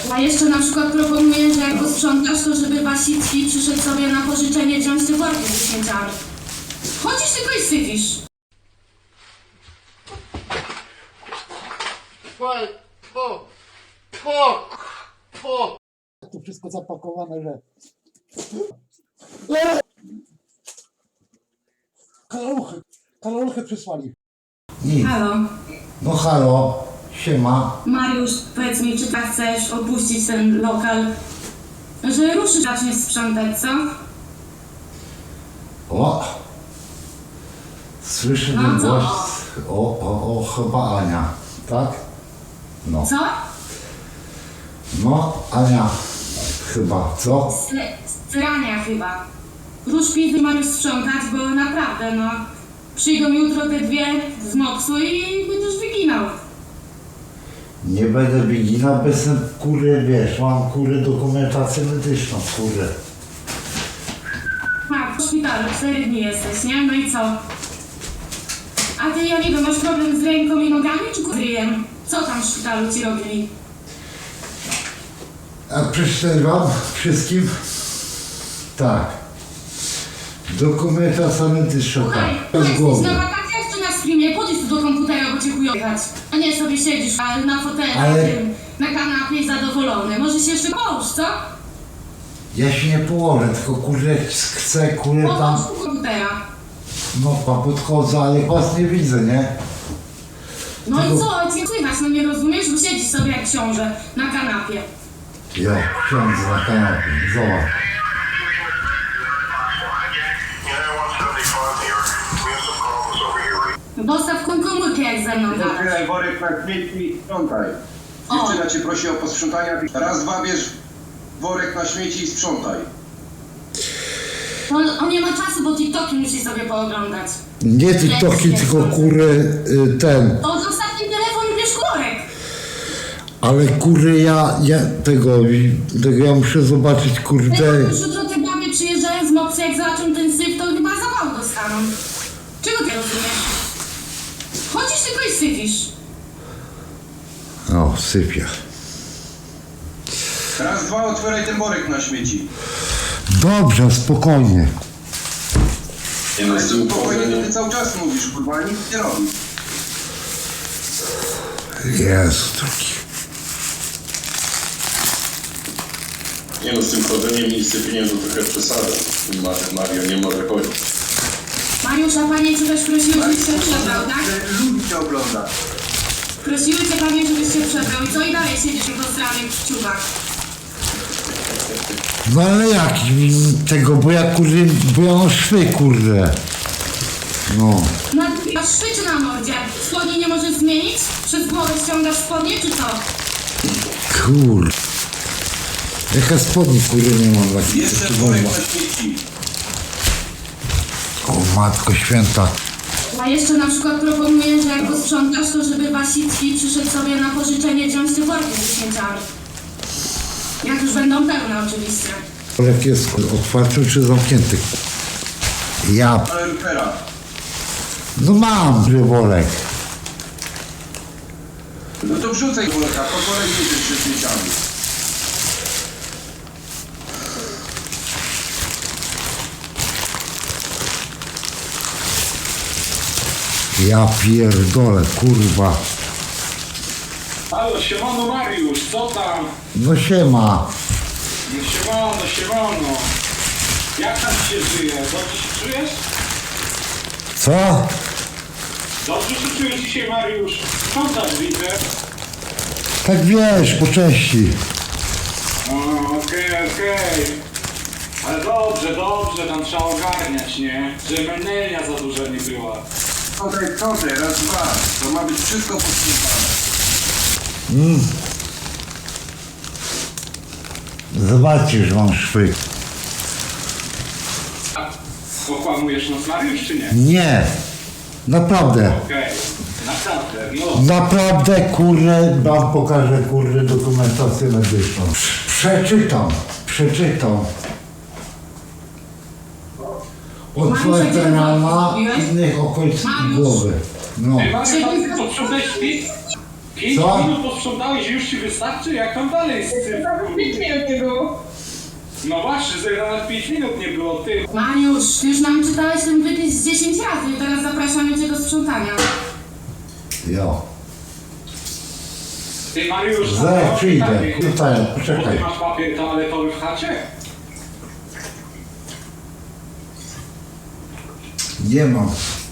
A jeszcze na przykład proponuję, że jak posprzątasz, to żeby Wasicki przyszedł sobie na pożyczenie wziąć te worki ze śmieciami. Chodzisz tylko i sypisz. Tu wszystko zapakowane, że... Kalaluchy przysłali. Halo, No halo, siema. Mariusz, powiedz mi, czy tak chcesz opuścić ten lokal, że ruszysz, zaczniesz sprzątać, co? O! Słyszę No ten co? głos. O, chyba Ania, tak? No. Co? No, Ania, chyba, co? Srania chyba. Rusz pizdy, Mariusz, sprzątać, bo naprawdę, no, przyjdą jutro te dwie z mopsu i będziesz wyginał. Nie będę biginał, bez ten kurę, wiesz, mam kurę dokumentację medyczną, kurę. Tak, w szpitalu 4 dni jesteś, nie? No i co? A ty, ja nie wiem, masz problem z ręką i nogami, czy z ryjem? Co tam w szpitalu ci robili? A przeczytaj wam wszystkim? Tak. Dokumentacja medyczna, Słuchaj, tak. Z jesteś głowy. na wakacjach czy na streamie? Podejdź tu do komputera, bo cię chujo jechać. A nie sobie siedzisz na fotelu, Ale- na kanapie zadowolony. Może się jeszcze połóż, co? Ja się nie położę, tylko kurę chcę, kurę tam... Połóż tu komputera. No, podchodzę, ale was nie widzę, nie? No Tylko- i co? Cię słychać, no nie rozumiesz? Bo siedzisz sobie jak książę na kanapie. Ja siądę na kanapie, zobacz. Dostaw komórkę jak ze mną gadasz. Otwieraj worek na śmieci i sprzątaj. O. Dziewczyna cię prosi o posprzątanie. Raz, dwa, bierz worek na śmieci i sprzątaj. On nie ma czasu, bo TikToki musi sobie pooglądać. Nie TikToki, tylko kury ten. To zostaw ten telefon i bierz korek. Ale kury ja tego ja muszę zobaczyć kurde. Już jutro te babie przyjeżdżają z mopsy, jak zobaczą ten syf, to chyba zawał dostaną. Czego ty rozumiesz? Chodzisz tylko i sypisz. O, sypia. Raz, dwa, otwieraj ten worek na śmieci. Dobrze, spokojnie. Ale to spokojnie, to ty cały czas mówisz, kurwa, nic nie robisz. Jezu, taki. Nie no, z tym chodzeniem i sypieniem to trochę przesada. Mario nie może chodzić. Mariusza, panie cię też prosiły, żebyś się przebrał, tak? Ludzi cię ogląda. Prosiły cię panie, żebyś się przebrał. I co i dalej siedzisz w rozstranych ciuchach? No ale jak tego, bo ja kurde, bo ja mam szwy kurde. No. Masz szwy na mordzie? Spodnie nie możesz zmienić? Przez głowę ściągasz spodnie, czy co? Kur. Jaka spodni kurde nie mam takich. Jeszcze worek na śmieci. O matko święta. A jeszcze na przykład proponuję, że jak posprzątasz, to żeby Wasicki przyszedł sobie na pożyczenie wziąć te worki ze śmieciami. Jak już będą pełne oczywiście. Jak jest otwarty czy zamknięty? Ja. Ale rupera. No mam worek. No to wrzucaj worka, po kolei jedziesz ze śmieciami. Ja pierdolę, kurwa. Halo, siemano Mariusz, co tam? No siema. No siemano. Jak tam ci się żyje? Dobrze się czujesz? Co? Dobrze się czujesz dzisiaj, Mariusz? Sprzątasz, widzę. Tak wiesz, po części. O, okej. Ale dobrze, tam trzeba ogarniać, nie? Żeby menelnia za duża nie była. Tutaj, raz, dwa. To ma być wszystko posprzątane. Zobaczysz, że mam szwy. Okłamujesz nas, Mariusz, czy nie? Nie. Naprawdę. Okej. Naprawdę, no. Naprawdę, kurde, wam pokażę, kurde, dokumentację medyczną. Przeczytam. Otwarte rana innych okolic głowy. No. Ej, Mariusz, to sprzątałeś 5 Co? minut posprzątałeś i już ci wystarczy? Jak tam dalej z tym? Nawet 5 minut nie było. No właśnie, że nawet 5 minut nie było, ty. Mariusz, ty już nam czytałeś ten wypis z 10 razy i teraz zapraszamy cię do sprzątania. Jo. Ty Mariusz, Zaraz przyjdę. Tutaj, Bo ty poczekaj. masz papier toaletowy w chacie? Nie mam.